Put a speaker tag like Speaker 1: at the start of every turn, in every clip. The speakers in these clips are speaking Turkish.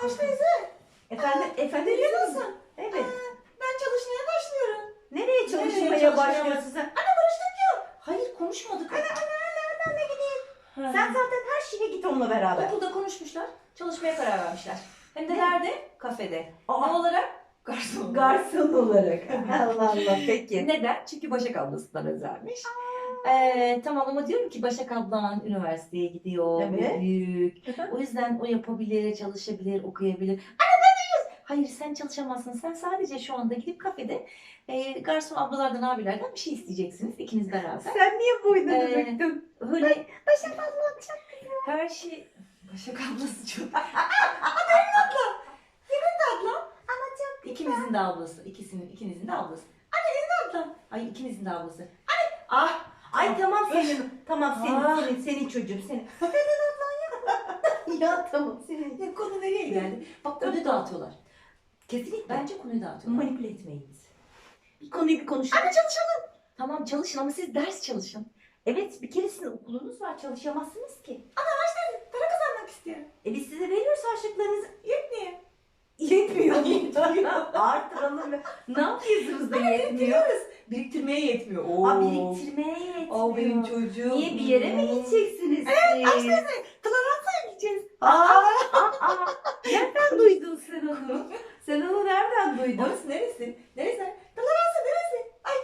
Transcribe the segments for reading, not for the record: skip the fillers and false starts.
Speaker 1: Barış teyze.
Speaker 2: Efendim
Speaker 1: Biliyor musun?
Speaker 2: Evet.
Speaker 1: Ben çalışmaya başlıyorum.
Speaker 2: Nereye çalışmaya
Speaker 1: çalışmaya
Speaker 2: başlıyorsun sen?
Speaker 1: Anne barıştık ya.
Speaker 2: Hayır konuşmadık.
Speaker 1: Anne ben de gideyim.
Speaker 2: Sen zaten her şeye git onunla beraber.
Speaker 1: Okulda konuşmuşlar. Çalışmaya karar vermişler. Hem de nerede? Kafede.
Speaker 2: Aa.
Speaker 1: Ne olarak? Garson.
Speaker 2: Garson olarak. Allah Allah peki.
Speaker 1: Neden? Çünkü Başak ablasından özelmiş. Tamam ama diyorum ki Başak ablan üniversiteye gidiyor.
Speaker 2: Evet.
Speaker 1: Büyük. O yüzden o yapabilir, çalışabilir, okuyabilir. Anne ne diyorsun? Hayır sen çalışamazsın. Sen sadece şu anda gidip kafede garson ablalardan abilerden bir şey isteyeceksiniz. İkiniz beraber.
Speaker 2: Sen niye boynunu
Speaker 1: Ee,
Speaker 2: büktün?
Speaker 1: Öyle
Speaker 2: Başak abla çok
Speaker 1: her şey... Başak ablası çok... Benim ablam. Senin de ablam.
Speaker 2: ama çok
Speaker 1: İkimizin de ablası. İkinizin de ablası. Anne benim de ablam. Ay ikinizin de ablası. Anne. Ah.
Speaker 2: Ay tamam senin. Tamam
Speaker 1: Aa.
Speaker 2: senin çocuğun senin. Senin ablan ya. Ya tamam senin.
Speaker 1: Ya konu nereye geldi? Bak konuyu dağıtıyorlar.
Speaker 2: Kesinlikle.
Speaker 1: Bence konuyu dağıtıyorlar.
Speaker 2: Manipüle etmeyin bizi. Bir konuyu bir konuşalım.
Speaker 1: Anne çalışalım. Tamam çalışın ama siz ders çalışın.
Speaker 2: Evet bir kere sizin okulunuz var çalışamazsınız ki.
Speaker 1: Para kazanmak istiyorum.
Speaker 2: Biz size veriyoruz harçlıklarınızı.
Speaker 1: Yetmiyor.
Speaker 2: Yetmiyor. Artıralım. Ne yapıyorsunuz da yetmiyor?
Speaker 1: Biriktirmeye yetmiyor.
Speaker 2: Ha biriktirmeye yetmiyor.
Speaker 1: Aa benim çocuğum.
Speaker 2: Niye bir yere mi gideceksiniz siz?
Speaker 1: Floransa'ya gideceğiz.
Speaker 2: Aa. Nereden duydun sen onu? Sen onu nereden duydun?
Speaker 1: Orası neresi? Neresi? Floransa neresi? Ay.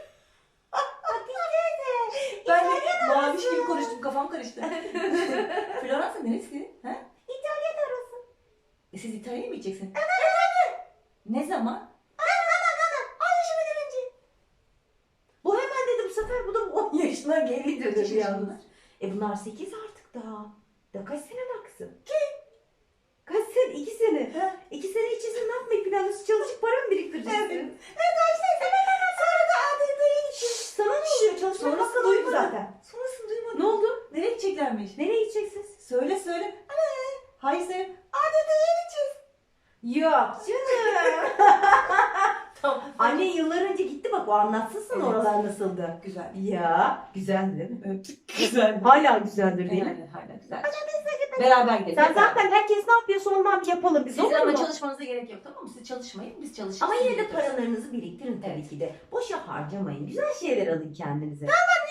Speaker 1: Ben de maviş gibi konuştum. Kafam karıştı. Floransa neresi? Ha?
Speaker 2: İtalya'da orası.
Speaker 1: Siz İtalya'ya mı gideceksiniz? Evet. Ne zaman?
Speaker 2: Bu hemen dedi bu sefer bu da 10 yaşına geri
Speaker 1: Kaç
Speaker 2: dönüyor
Speaker 1: yaşında
Speaker 2: yalnız. Bunlar 8 artık daha. Da kaç sene daha kızım? Kaç sene? 2 sene.
Speaker 1: Ha.
Speaker 2: 2 sene içerisinde ne yapmayı planlıyorsun? Çalışıp para mı biriktireceksin?
Speaker 1: Evet. Sonra da ADD'ye
Speaker 2: Şşş, sana ne oluyor? Çalışmak
Speaker 1: Sonrasını
Speaker 2: hakkında duydu
Speaker 1: duymadım.
Speaker 2: zaten.
Speaker 1: Sonrasını duymadım.
Speaker 2: Ne oldu?
Speaker 1: Nereye gideceklermiş?
Speaker 2: Nereye gideceksiniz?
Speaker 1: Söyle. Hayır sen. ADD'ye gideceğiz.
Speaker 2: Yok canım.
Speaker 1: Tamam.
Speaker 2: Annen yıllar önce gitti bak o anlatsın sana
Speaker 1: Evet.
Speaker 2: oralar nasıldı.
Speaker 1: Güzel.
Speaker 2: Ya güzel değil mi?
Speaker 1: Evet. Güzel.
Speaker 2: Hala güzeldir değil mi?
Speaker 1: Hala güzel. Beraber gidelim.
Speaker 2: Sen zaten herkes ne yapıyorsa ondan bir yapalım biz
Speaker 1: Siz
Speaker 2: olur
Speaker 1: ama
Speaker 2: mu?
Speaker 1: çalışmanıza gerek yok tamam mı? Siz çalışmayın, biz çalışırız.
Speaker 2: Ama
Speaker 1: siz
Speaker 2: yine de
Speaker 1: yaparız.
Speaker 2: paralarınızı biriktirin tabii
Speaker 1: Evet.
Speaker 2: ki de. Boşa harcamayın. Güzel şeyler alın kendinize.